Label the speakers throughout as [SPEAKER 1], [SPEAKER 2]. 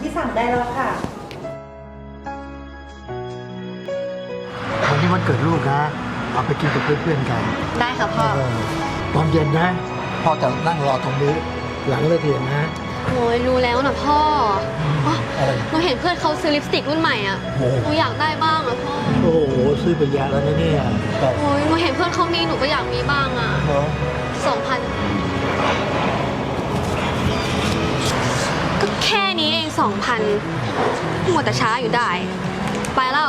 [SPEAKER 1] ที่สั่งได้แล้วค่ะ
[SPEAKER 2] วันนี้วันเกิดลูกนะเอาไปกินกับเพื่อนๆกัน
[SPEAKER 3] ได้ค่ะพ่อ
[SPEAKER 2] ตอนเย็นนะพ่อจะนั่งรอตรงนี้หลังเลิกเรียนนะ
[SPEAKER 3] โอ้ยรู้แล้วนะพ่ออ๋อ
[SPEAKER 2] อะไร
[SPEAKER 3] หนูเห็นเพื่อนเขาซื้อลิปสติกรุ่นใหม่อ่ะ
[SPEAKER 2] โอ้
[SPEAKER 3] หนูอยากได้บ้างอ่ะพ่อ
[SPEAKER 2] โอ้โหซื้อไปเยอะแล้วนะเนี่ยแต่
[SPEAKER 3] โอ้ยหนูเห็นเพื่อนเขามีหนูก็อยากมีบ้างอ่ะ
[SPEAKER 2] เนาะ
[SPEAKER 3] 2,000ก็แค่นี้เอง2,000หมดแต่ช้าอยู่ได้ ไปแล้ว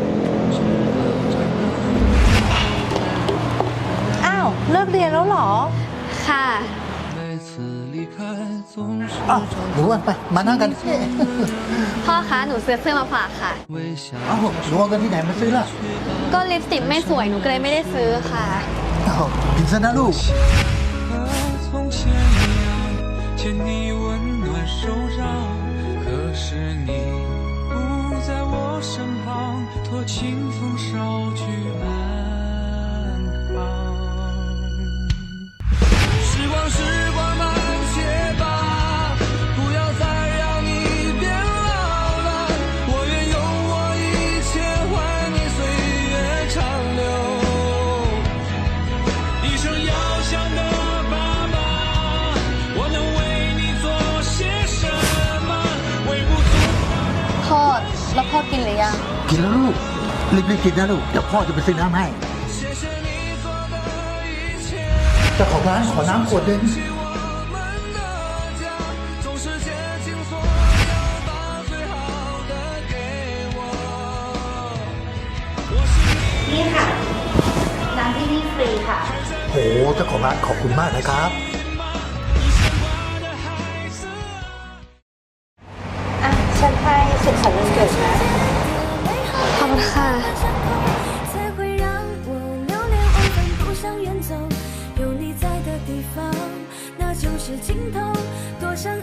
[SPEAKER 1] อ้าวเลิกเรียนแล้วเหรอ
[SPEAKER 3] ค่ะ
[SPEAKER 2] อ้าวหนูวันไปมานั่งกัน
[SPEAKER 3] พ่อคะหนูซื้อเสื้อมาฝากค่ะ
[SPEAKER 2] อ้าวหนูเอาเงินที่ไหนมาซื้อล่ะ
[SPEAKER 3] ก็ลิปสติกไม่สวยหนูก็เลยไม่ได้ซื้อค่ะ
[SPEAKER 2] อ้าวกินซะนะลูก
[SPEAKER 4] 和从前一样，牵你温暖手掌。可是你不在我身旁，托清风捎去安康。时光，时光慢些吧，不要再让你变老了。我愿用我一切换你岁月长流。一生遥想的爸爸，我能为你做些什么？微不足道的。
[SPEAKER 3] พ่อแล้วพ่อกินหรือยัง
[SPEAKER 2] กินแล้วลูกรีบๆกินนะลูกเดี๋ยวพ่อจะไปซื้อน้ำให้
[SPEAKER 4] 谢谢你做的一切，
[SPEAKER 2] เจ้าของร้านขอน้ำขวดหนึง
[SPEAKER 4] 起我们的家，总是竭尽所有把最好的给我。我是你。
[SPEAKER 1] นี่ค่ะ น้ำที่นี่ฟรีค่ะ
[SPEAKER 2] โอ้โหเจ้าของร้านขอบคุณมากนะครับ
[SPEAKER 1] อ่ะ ฉันให้สุขสันต์วันเกิดนะ
[SPEAKER 3] ขอบคุณค่ะ
[SPEAKER 5] 才会让我流连忘返，不想远走。有你在的地方，那就是尽头。多想